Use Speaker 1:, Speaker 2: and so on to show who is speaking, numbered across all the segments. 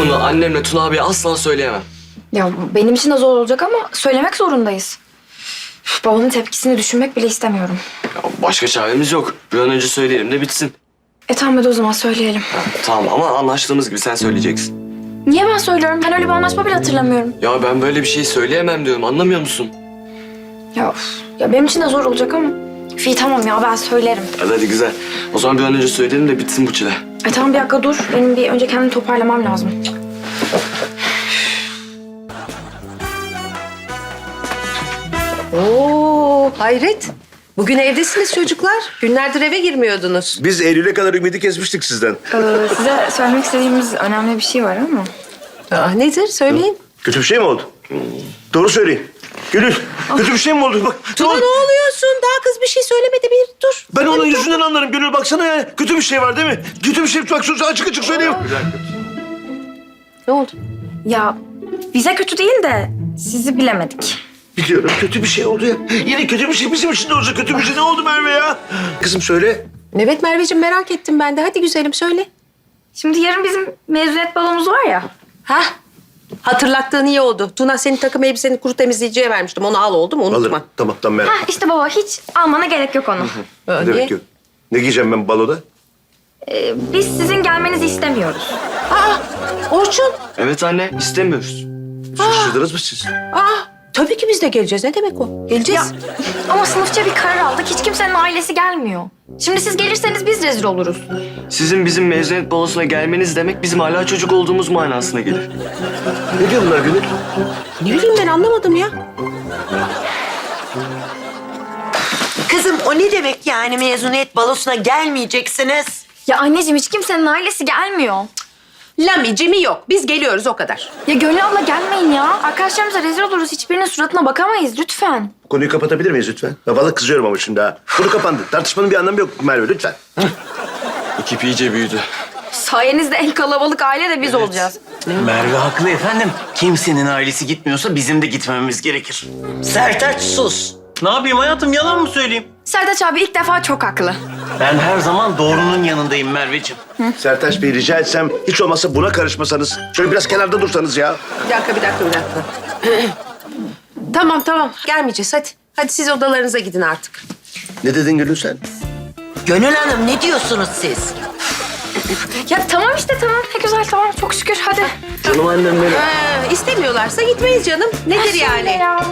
Speaker 1: bunu annemle Tuna abiye asla söyleyemem.
Speaker 2: Ya benim için de zor olacak ama söylemek zorundayız. Üf, babamın tepkisini düşünmek bile istemiyorum.
Speaker 1: Ya başka çaremiz yok. Bir an önce söyleyelim de bitsin.
Speaker 2: Tamam hadi o zaman söyleyelim.
Speaker 1: Tamam ama anlaştığımız gibi sen söyleyeceksin.
Speaker 2: Niye ben söylüyorum? Ben öyle bir anlaşma bile hatırlamıyorum.
Speaker 1: Ya ben böyle bir şey söyleyemem diyorum, anlamıyor musun?
Speaker 2: Ya, üf, ya benim için de zor olacak ama. İyi tamam ya ben söylerim.
Speaker 1: Hadi güzel. O zaman bir an önce söyleyelim de bitsin bu çile.
Speaker 2: Tamam bir dakika dur. Benim bir önce kendimi toparlamam lazım.
Speaker 3: Oo, hayret. Bugün evdesiniz çocuklar. Günlerdir eve girmiyordunuz.
Speaker 4: Biz Eylül'e kadar ümidi kesmiştik sizden.
Speaker 2: Size söylemek istediğimiz önemli bir şey var ama.
Speaker 3: Nedir? Söyleyin.
Speaker 4: Kötü bir şey mi oldu? Doğru söyleyin. Gönül, kötü bir şey mi oldu? Bak,
Speaker 3: Tuna ne oluyorsun? Daha kız bir şey söylemedi. Bir dur.
Speaker 4: Ben onun yüzünden anlarım Gönül. Baksana ya. Kötü bir şey var değil mi? Kötü bir şey. Bak açık açık söyleyeyim.
Speaker 3: Ne oldu?
Speaker 2: Ya bize kötü değil de sizi bilemedik.
Speaker 4: Biliyorum kötü bir şey oldu ya. Yine kötü bir şey bizim için de olsa kötü bir şey. Ne oldu Merve ya? Kızım söyle.
Speaker 3: Evet Merveciğim merak ettim ben de. Hadi güzelim söyle.
Speaker 2: Şimdi yarın bizim mezuniyet balomuz var ya.
Speaker 3: Hah. Hatırlattığın iyi oldu. Tuna senin takım elbiseni kuru temizleyiciye vermiştim. Onu al oldu mu? Unutma.
Speaker 4: Alırım. Tamam Merve.
Speaker 2: İşte baba hiç almana gerek yok onu.
Speaker 4: Ne demek yok? Ne giyeceğim ben baloda?
Speaker 2: Biz sizin gelmenizi istemiyoruz.
Speaker 3: Orçun.
Speaker 1: Evet anne, istemiyoruz.
Speaker 4: Şaşırdınız mı siz?
Speaker 3: Tabii ki biz de geleceğiz. Ne demek o? Geleceğiz.
Speaker 2: Ama sınıfça bir karar aldık. Hiç kimsenin ailesi gelmiyor. Şimdi siz gelirseniz biz rezil oluruz.
Speaker 1: Sizin bizim mezuniyet balosuna gelmeniz demek bizim hala çocuk olduğumuz manasına gelir.
Speaker 4: Ne diyor bunlar Gönül?
Speaker 3: Ne bileyim ben anlamadım ya.
Speaker 5: Kızım o ne demek yani mezuniyet balosuna gelmeyeceksiniz?
Speaker 2: Ya anneciğim hiç kimsenin ailesi gelmiyor.
Speaker 3: Lami, Cimi yok. Biz geliyoruz o kadar.
Speaker 2: Ya Gönül abla gelmeyin ya. Arkadaşlarımıza rezil oluruz. Hiçbirinin suratına bakamayız lütfen.
Speaker 4: Konuyu kapatabilir miyiz lütfen? Ya vallahi kızıyorum ama şimdi ha. Konu kapandı. Tartışmanın bir anlamı yok Merve lütfen.
Speaker 1: Ekip iyice büyüdü.
Speaker 2: Sayenizde en kalabalık aile de biz olacağız.
Speaker 6: Merve haklı efendim. Kimsenin ailesi gitmiyorsa bizim de gitmememiz gerekir.
Speaker 5: Sertaç sus.
Speaker 6: Ne yapayım hayatım, yalan mı söyleyeyim?
Speaker 2: Sertaç abi ilk defa çok haklı.
Speaker 6: Ben her zaman doğrunun yanındayım Merveciğim.
Speaker 4: Sertaç Bey rica etsem hiç olmazsa buna karışmasanız. Şöyle biraz kenarda dursanız ya.
Speaker 3: Bir dakika. Tamam. Gelmeyeceğiz hadi. Hadi siz odalarınıza gidin artık.
Speaker 4: Ne dedin Gönül sen?
Speaker 5: Gönül Hanım ne diyorsunuz siz?
Speaker 2: Ya tamam işte tamam. Ne güzel tamam. Çok şükür hadi.
Speaker 1: Canım annem benim.
Speaker 3: İstemiyorlarsa gitmeyiz canım. Nedir yani?
Speaker 2: Ya.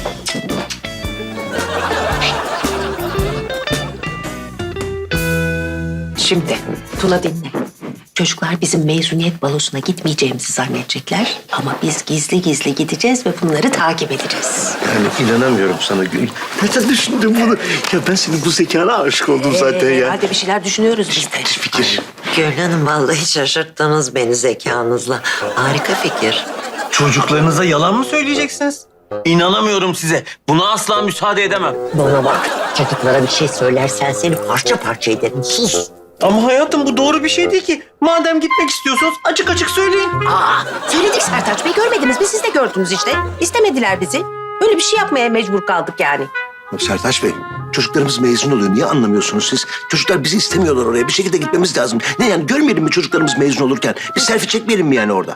Speaker 5: Şimdi Tuna dinle. Çocuklar bizim mezuniyet balosuna gitmeyeceğimizi zannedecekler. Ama biz gizli gizli gideceğiz ve bunları takip edeceğiz.
Speaker 4: Yani inanamıyorum sana Gönül. Neden düşündün bunu? Ya ben senin bu zekana aşık oldum zaten ya.
Speaker 3: Hadi bir şeyler düşünüyoruz biz de.
Speaker 4: Fikir.
Speaker 5: Gönül Hanım vallahi şaşırttınız beni zekanızla. Harika fikir.
Speaker 6: Çocuklarınıza yalan mı söyleyeceksiniz? İnanamıyorum size. Buna asla müsaade edemem.
Speaker 5: Bana bak çocuklara bir şey söylersen seni parça parça ederim. Sus.
Speaker 6: Ama hayatım bu doğru bir şey değil ki. Madem gitmek istiyorsunuz açık açık söyleyin.
Speaker 3: Söyledik Sertaç Bey görmediniz mi? Siz de gördünüz işte. İstemediler bizi. Böyle bir şey yapmaya mecbur kaldık yani.
Speaker 4: Sertaç Bey, çocuklarımız mezun oluyor. Niye anlamıyorsunuz siz? Çocuklar bizi istemiyorlar oraya. Bir şekilde gitmemiz lazım. Ne yani görmeyelim mi çocuklarımız mezun olurken? Bir selfie çekmeyelim mi yani orada?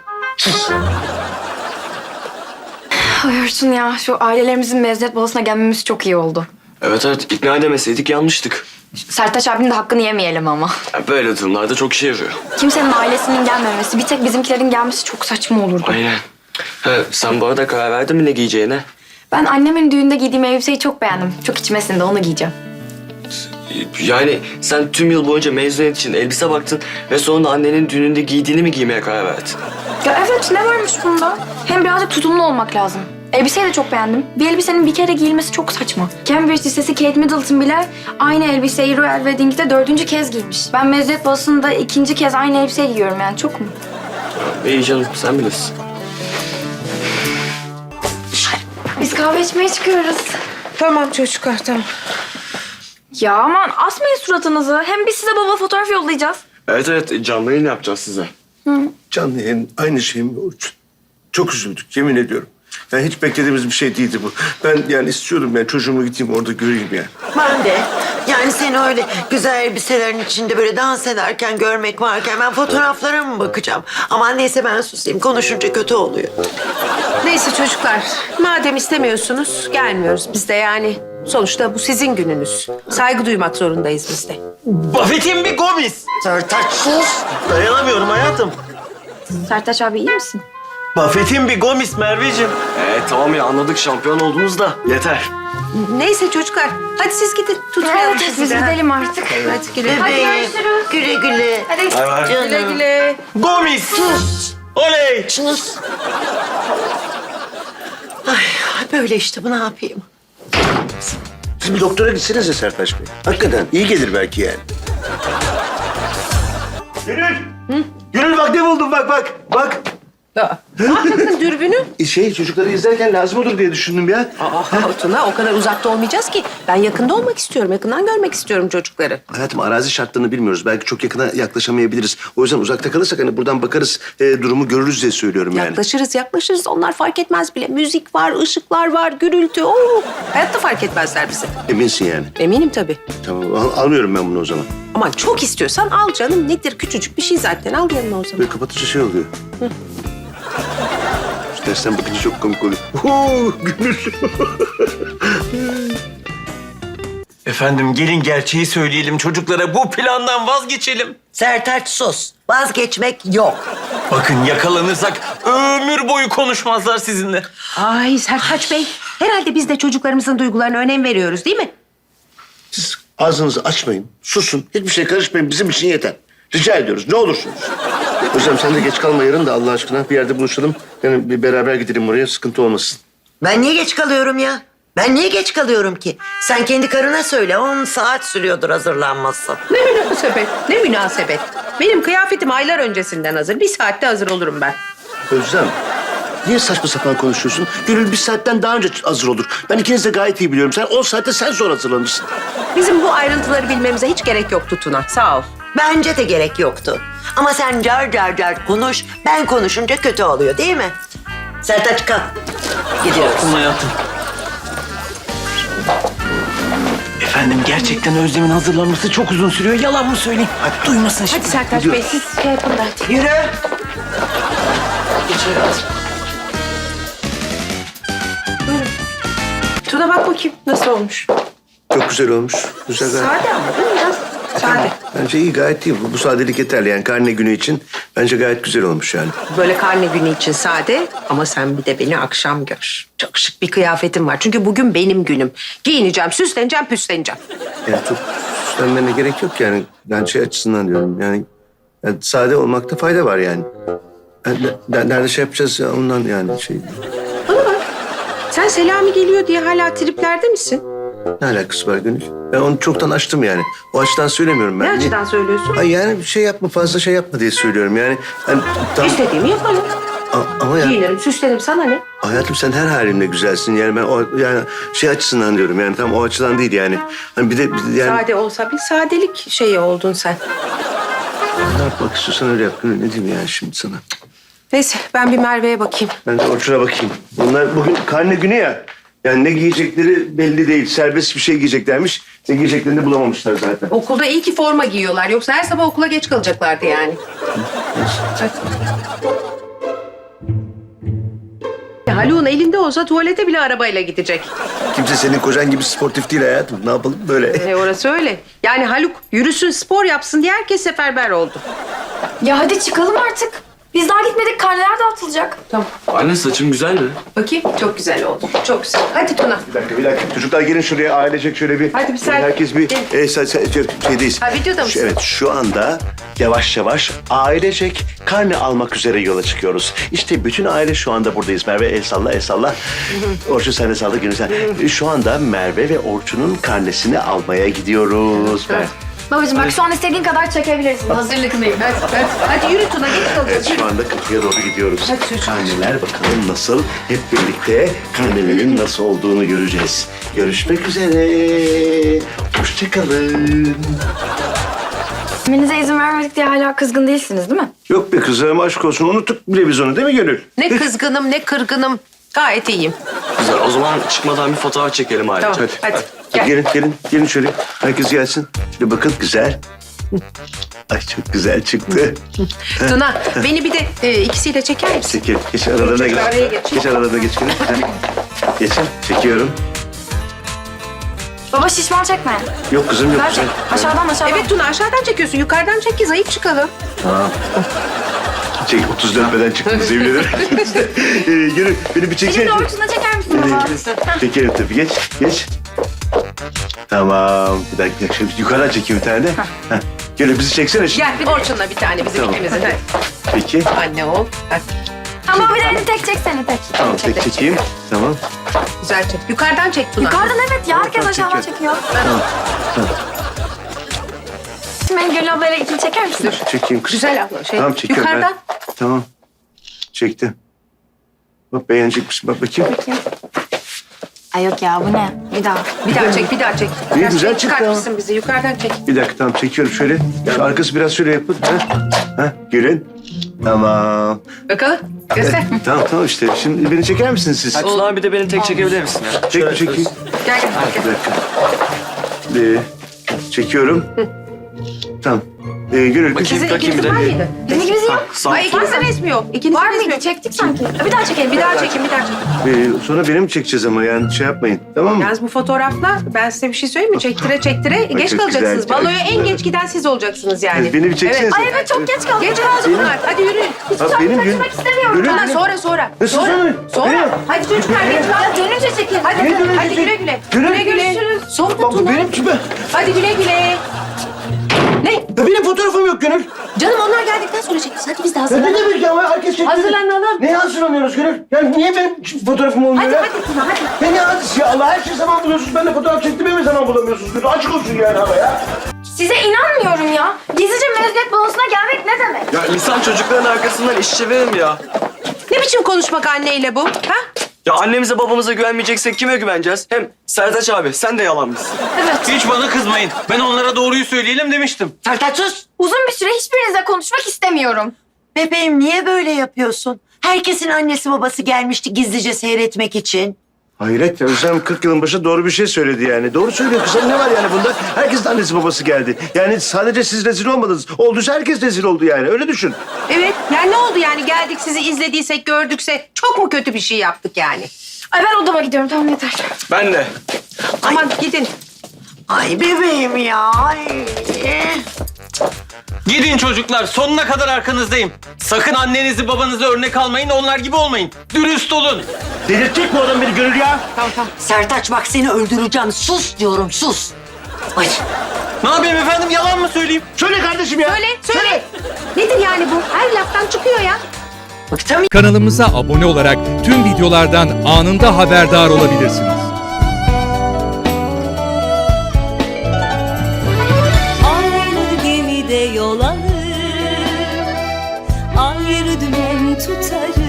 Speaker 2: Ay Orçun ya şu ailelerimizin mezuniyet balosuna gelmemiz çok iyi oldu.
Speaker 1: Evet ikna edemeseydik yanlıştık.
Speaker 2: Sertaç abinin de hakkını yemeyelim ama.
Speaker 1: Ya böyle durumlarda çok işe yarıyor.
Speaker 2: Kimsenin ailesinin gelmemesi, bir tek bizimkilerin gelmesi çok saçma olurdu.
Speaker 1: Aynen. Sen bu arada karar verdin mi ne giyeceğine?
Speaker 2: Ben annemin düğünde giydiğim elbiseyi çok beğendim. Çok içime sindi, onu giyeceğim.
Speaker 1: Yani sen tüm yıl boyunca mezuniyet için elbise baktın ve sonra annenin düğününde giydiğini mi giymeye karar verdin?
Speaker 2: Ya evet, ne varmış bunda? Hem birazcık tutumlu olmak lazım. Elbiseyi de çok beğendim. Bir elbisenin bir kere giyilmesi çok saçma. Cambridge Lisesi Kate Middleton bile aynı elbiseyi Royal Wedding'de 4. kez giymiş. Ben mezuniyet balosunda 2. kez aynı elbiseyi giyiyorum yani, çok mu?
Speaker 1: İyi canım, sen bilirsin.
Speaker 2: Biz kahve içmeye çıkıyoruz.
Speaker 3: Tamam çocuklar tamam.
Speaker 2: Ya aman asmayın suratınızı. Hem biz size baba fotoğraf yollayacağız.
Speaker 1: Evet, canlı yayın yapacağız size.
Speaker 4: Canlı yayın aynı şey mi Orçun? Çok üzüldük yemin ediyorum. Yani hiç beklediğimiz bir şey değildi bu. Ben yani istiyorum yani çocuğumu gideyim orada göreyim yani.
Speaker 7: Ben de. Yani seni öyle güzel elbiselerin içinde böyle dans ederken görmek varken ben fotoğraflara mı bakacağım? Aman neyse ben susayım. Konuşunca kötü oluyor.
Speaker 3: Neyse çocuklar, madem istemiyorsunuz gelmiyoruz biz de yani. Sonuçta bu sizin gününüz. Saygı duymak zorundayız biz de.
Speaker 6: Buffett'in bir gomis.
Speaker 7: Sertaç sus.
Speaker 6: Dayanamıyorum hayatım.
Speaker 2: Sertaç abi iyi misin?
Speaker 6: Buffett'in bir gomis Merveciğim.
Speaker 1: Tamam ya anladık şampiyon oldunuz da yeter.
Speaker 3: Neyse çocuklar, hadi siz gidin. Tutmayalım
Speaker 2: Evet,
Speaker 3: sizi
Speaker 2: biz
Speaker 3: de.
Speaker 2: gidelim artık.
Speaker 3: Hadi güle.
Speaker 7: Bebeğim. Güle güle.
Speaker 2: Hadi.
Speaker 7: Canım.
Speaker 3: Güle güle.
Speaker 6: Gomis.
Speaker 7: Sus.
Speaker 6: Oley.
Speaker 7: Sus. Ay böyle işte bu ne yapayım?
Speaker 4: Siz bir doktora gitsenize Sertaç Bey. Hakikaten iyi gelir belki yani. Gönül! Gönül bak ne buldum bak.
Speaker 3: Ne yapacaksın dürbünü?
Speaker 4: Çocukları izlerken lazım olur diye düşündüm ya.
Speaker 3: Tuna o kadar uzakta olmayacağız ki. Ben yakında olmak istiyorum. Yakından görmek istiyorum çocukları.
Speaker 4: Hayatım arazi şartlarını bilmiyoruz. Belki çok yakına yaklaşamayabiliriz. O yüzden uzakta kalırsak hani buradan bakarız, durumu görürüz diye söylüyorum yani.
Speaker 3: Yaklaşırız. Onlar fark etmez bile. Müzik var, ışıklar var, gürültü. Oo, hayatta fark etmezler bizi.
Speaker 4: Eminsin yani.
Speaker 3: Eminim tabii.
Speaker 4: Tamam almıyorum ben bunu o zaman.
Speaker 3: Aman çok istiyorsan al canım. Nedir küçücük bir şey zaten. Al yanına o zaman.
Speaker 4: Böyle kapatınca şey oluyor. Şu dersten bakınca çok komik oluyor. Gönül.
Speaker 6: Efendim gelin gerçeği söyleyelim çocuklara. Bu plandan vazgeçelim.
Speaker 7: Sertaç sus. Vazgeçmek yok.
Speaker 6: Bakın yakalanırsak ömür boyu konuşmazlar sizinle.
Speaker 3: Ay Sertaç Bey. Herhalde biz de çocuklarımızın duygularına önem veriyoruz değil mi?
Speaker 4: Siz ağzınızı açmayın, susun. Hiçbir şey karışmayın. Bizim için yeter. Rica ediyoruz. Ne olursunuz. Hocam sen de geç kalma yarın da Allah aşkına bir yerde buluşalım. Yani bir beraber gidelim oraya. Sıkıntı olmasın.
Speaker 7: Ben niye geç kalıyorum ya? Ben niye geç kalıyorum ki? Sen kendi karına söyle. 10 saat sürüyordur hazırlanması.
Speaker 3: Ne münasebet. Benim kıyafetim aylar öncesinden hazır. Bir saatte hazır olurum ben.
Speaker 4: Özlem, niye saçma sapan konuşuyorsun? Gönül bir saatten daha önce hazır olur. Ben ikiniz de gayet iyi biliyorum. Sen 10 saatte sen sonra hazırlanırsın.
Speaker 3: Bizim bu ayrıntıları bilmemize hiç gerek yoktu Tuna. Sağ ol.
Speaker 7: Bence de gerek yoktu. Ama sen car konuş. Ben konuşunca kötü oluyor değil mi? Sertaç kalk. Gidiyoruz.
Speaker 6: Kalkın hayatım. Efendim gerçekten Özlem'in hazırlanması çok uzun sürüyor. Yalan mı söyleyeyim? Hadi duymasın şimdi.
Speaker 2: Hadi Sertaç Bey siz şey yapın da hadi.
Speaker 7: Yürü.
Speaker 3: Tuna bak bakayım nasıl olmuş.
Speaker 4: Çok güzel olmuş. Güzel gayet.
Speaker 3: Sade ama değil mi? Biraz sade.
Speaker 4: Bence iyi gayet iyi. Bu sadelik yeterli yani karne günü için. Bence gayet güzel olmuş yani.
Speaker 3: Böyle karne günü için sade ama sen bir de beni akşam gör. Çok şık bir kıyafetim var. Çünkü bugün benim günüm. Giyineceğim, süsleneceğim, püsleneceğim.
Speaker 4: Yani çok süslenmene gerek yok yani. Ben şey açısından diyorum yani sade olmakta fayda var yani. Nerede şey yapacağız ya ondan yani şey.
Speaker 3: Bana bak. Sen Selami geliyor diye hala triplerde misin?
Speaker 4: Ne alakası var Gönül? Ben onu çoktan açtım yani. O açıdan söylemiyorum ben.
Speaker 3: Ne açıdan söylüyorsun?
Speaker 4: Ay yani bir şey yapma fazla şey yapma diye söylüyorum yani.
Speaker 3: İstediğimi yaparım.
Speaker 4: Ama ya
Speaker 3: Giyinirim, süslenirim. Sana ne?
Speaker 4: hayatım sen her halinle güzelsin yani ben o yani şey açısından diyorum yani tam o açıdan değil yani. Hani bir de yani
Speaker 3: Sade olsa bir sadelik şeyi oldun sen.
Speaker 4: ne yapmak istiyorsan öyle yap Gönül ne diyeyim yani şimdi sana.
Speaker 3: Neyse ben bir Merve'ye bakayım.
Speaker 4: Ben de Orçun'a bakayım. Bunlar bugün karne günü ya. Yani ne giyecekleri belli değil. Serbest bir şey giyeceklermiş. Ne giyeceklerini bulamamışlar zaten.
Speaker 3: Okulda iyi ki forma giyiyorlar. Yoksa her sabah okula geç kalacaklardı yani. Haluk'un elinde olsa tuvalete bile arabayla gidecek.
Speaker 4: Kimse senin kocan gibi sportif değil hayatım. Ne yapalım böyle?
Speaker 3: Orası öyle. Yani Haluk yürüsün, spor yapsın diye herkes seferber oldu.
Speaker 2: Ya hadi çıkalım artık. Biz daha gitmedik karneler dağıtılacak.
Speaker 3: Tamam.
Speaker 1: Anne saçın güzel mi?
Speaker 3: Bakayım. Çok güzel oldu. Çok güzel. Hadi Tuna.
Speaker 4: Bir dakika. Çocuklar gelin şuraya ailecek şöyle bir...
Speaker 3: Hadi bir sen-
Speaker 4: Herkes bir...
Speaker 3: Gel.
Speaker 4: Şeydeyiz.
Speaker 3: Ha, videoda mısın?
Speaker 4: Evet şu anda yavaş yavaş ailecek karne almak üzere yola çıkıyoruz. İşte bütün aile şu anda buradayız. Merve el salla, el salla. Orçun sen de salla, Gönül sen. Şu anda Merve ve Orçun'un karnesini almaya gidiyoruz.
Speaker 2: Babacığım bak şu an istediğin kadar çekebilirsin. Hazırlıklıyım.
Speaker 3: Hadi yürü Tuna. Geç
Speaker 4: Evet
Speaker 3: kalacağız.
Speaker 4: şu anda kapıya doğru gidiyoruz.
Speaker 3: Hadi çocuğum.
Speaker 4: Karneler bakalım nasıl? Hep birlikte karnelerin nasıl olduğunu göreceğiz. Görüşmek üzere. Hoşçakalın.
Speaker 2: Gitmenize izin vermedik diye hala kızgın değilsiniz değil mi?
Speaker 4: Yok be kızım aşk olsun unuttuk bile biz onu değil mi Gönül?
Speaker 3: Ne kızgınım ne kırgınım. Gayet iyiyim.
Speaker 1: Güzel. O zaman çıkmadan bir fotoğraf çekelim ayrıca.
Speaker 3: Tamam, hadi. Gel.
Speaker 4: Gelin şöyle. Herkes gelsin. Şöyle bakın, güzel. Ay çok güzel çıktı.
Speaker 3: Tuna, beni bir de ikisiyle çeker misin?
Speaker 4: Çekil. Geç aralarına geç.
Speaker 3: Araya geç.
Speaker 4: Geç aralarına geç. Geçin. Çekiyorum.
Speaker 2: Baba şişman çekme.
Speaker 4: Yok kızım yok.
Speaker 2: Ver çek. Aşağıdan.
Speaker 3: Evet Tuna, aşağıdan çekiyorsun. Yukarıdan çek ki zayıf çıkalım.
Speaker 4: Çek 34 beden çıktınız yemin ederim. Gelin beni bir çeksene.
Speaker 2: Elini doğrultusunda çeker misin baba?
Speaker 4: Çekelim tabii. Geç. Tamam. Bir dakika. Şöyle yukarıdan çekeyim bir tane de. Heh. Gel bizi çeksene şimdi.
Speaker 3: Gel Orçun'la bir tane bizim
Speaker 4: Tamam.
Speaker 3: ikimizin. Hadi.
Speaker 4: Peki.
Speaker 3: Anne ol. Hadi.
Speaker 2: Ama bir de elini tek çeksene tek.
Speaker 4: Tamam tek çekeyim. Tamam.
Speaker 3: Güzel çek. Yukarıdan çek Tuna.
Speaker 2: Yukarıdan evet ya herkes
Speaker 4: Tamam,
Speaker 2: aşağıdan
Speaker 4: çekiyorum.
Speaker 2: çekiyor.
Speaker 4: Tamam.
Speaker 2: Şimdi beni Gönül ablayla ikili çeker misin?
Speaker 4: Çekeyim kız.
Speaker 3: Güzel abla.
Speaker 4: Tamam çekiyorum.
Speaker 3: Yukarıdan.
Speaker 4: Tamam. Çektim. Bak beğenecek misin? Bak bakayım.
Speaker 2: Ay yok ya bu ne? Bir daha.
Speaker 3: Bir daha çek, bir daha çek.
Speaker 4: İyi,
Speaker 3: Biraz
Speaker 4: güzel
Speaker 3: şey
Speaker 4: çıktı
Speaker 3: çıkartmışsın bizi. Yukarıdan çek.
Speaker 4: Bir dakika tamam çekiyorum şöyle. Şu arkası biraz şöyle yapın. Ha? Gelin. Tamam.
Speaker 3: Bakalım. Göster.
Speaker 4: Tamam işte. Şimdi beni çeker misiniz siz?
Speaker 1: Hadi Tuna abi de beni tek çekebilir misin ya?
Speaker 4: Çek mi çekeyim?
Speaker 3: Gel gel.
Speaker 4: Bir dakika. Çekiyorum. Tamam. Gönül kız.
Speaker 3: Sizin
Speaker 1: bakayım
Speaker 3: ikinizin
Speaker 1: bir
Speaker 3: var
Speaker 1: de.
Speaker 3: mıydı?
Speaker 2: Bizim ikimiz yok.
Speaker 1: Sağ
Speaker 3: Ay ikinizin resmi yok. İkinizin
Speaker 2: Var
Speaker 3: resmi
Speaker 2: mıydı?
Speaker 3: yok.
Speaker 2: Çektik sanki. Bir daha çekelim.
Speaker 3: Bir daha çekin, bir daha çekin.
Speaker 4: Sonra benim çekeceğiz ama yani şey yapmayın. Tamam mı?
Speaker 3: Yalnız bu fotoğrafla ben size bir şey söyleyeyim mi? Çektire geç
Speaker 4: çok
Speaker 3: kalacaksınız.
Speaker 4: güzel.
Speaker 3: Baloya en geç giden siz olacaksınız yani.
Speaker 4: Beni bir çeksenize.
Speaker 2: Ay evet çok geç kaldık.
Speaker 3: Geç kaldı bunlar. Hadi yürüyün.
Speaker 4: Ha, benim gün.
Speaker 2: Kaçmak istemiyorum.
Speaker 3: Tuna sonra.
Speaker 4: Nasıl sonra?
Speaker 3: Sonra.
Speaker 4: Benim.
Speaker 3: Hadi çocuklar geç kaldı.
Speaker 2: Dönünce çekelim.
Speaker 3: Hadi,
Speaker 4: Ne dönünce
Speaker 3: hadi
Speaker 4: çek-
Speaker 3: güle güle.
Speaker 4: Güle
Speaker 3: Güle güle. Sonra
Speaker 4: Bak
Speaker 3: Tuna.
Speaker 4: benim gibi.
Speaker 3: Hadi güle güle. Ne?
Speaker 4: Ya benim fotoğrafım yok Gönül.
Speaker 3: Canım onlar geldikten sonra çekeceğiz. Hadi biz de
Speaker 4: Ya ne
Speaker 3: hazırlanalım.
Speaker 4: demek ya? Herkes çekti.
Speaker 3: Hazırlanalım.
Speaker 4: Neye hazırlanıyoruz Gönül? Yani niye benim fotoğrafım olmuyor
Speaker 3: Hadi
Speaker 4: ya?
Speaker 3: hadi Tuna hadi.
Speaker 4: Ya ne hadisi ya? Allah her şey zaman buluyorsunuz. Ben de fotoğraf çektiğimi mi zaman bulamıyorsunuz? Gönül açık olsun yani ama ya.
Speaker 2: Size inanmıyorum ya. Gizlice mezuniyet balosuna gelmek ne demek?
Speaker 1: Ya insan çocukların arkasından iş çevirir mi ya?
Speaker 3: Ne biçim konuşmak anneyle bu? Ha?
Speaker 1: Ya annemize babamıza güvenmeyeceksek kime güveneceğiz? Hem Sertaç abi sen de yalanmışsın.
Speaker 6: Hiç bana kızmayın. Ben onlara doğruyu söyleyelim demiştim.
Speaker 7: Sertaç sus.
Speaker 2: Uzun bir süre hiçbirinizle konuşmak istemiyorum.
Speaker 7: Bebeğim niye böyle yapıyorsun? Herkesin annesi babası gelmişti gizlice seyretmek için.
Speaker 4: Hayret ya. Özlem 40 yılın başı doğru bir şey söyledi yani. Doğru söylüyor kızım. Ne var yani bunda? Herkesin annesi babası geldi. Yani sadece siz rezil olmadınız. Olduysa herkes rezil oldu yani. Öyle düşün.
Speaker 3: Evet. Yani ne oldu yani geldik sizi izlediysek gördükse çok mu kötü bir şey yaptık yani?
Speaker 2: Ay ben odama gidiyorum tamam yeter.
Speaker 1: Ben de.
Speaker 3: Aman gidin.
Speaker 7: Ay bebeğim ya. Ay.
Speaker 6: Gidin çocuklar, sonuna kadar arkanızdayım. Sakın annenizi babanızı örnek almayın, onlar gibi olmayın. Dürüst olun.
Speaker 4: Delirtecek mi o adam beni Gönül ya?
Speaker 7: Sertaç bak seni öldüreceğim. Sus diyorum sus. Ay.
Speaker 6: Ne yapayım efendim, yalan mı söyleyeyim?
Speaker 4: Söyle kardeşim ya.
Speaker 3: Söyle. Nedir yani bu? Her laftan çıkıyor ya.
Speaker 7: Bıktım.
Speaker 8: Kanalımıza abone olarak tüm videolardan anında haberdar olabilirsiniz.
Speaker 9: Aynı gemide yol alır, ayrı dümen tutarız.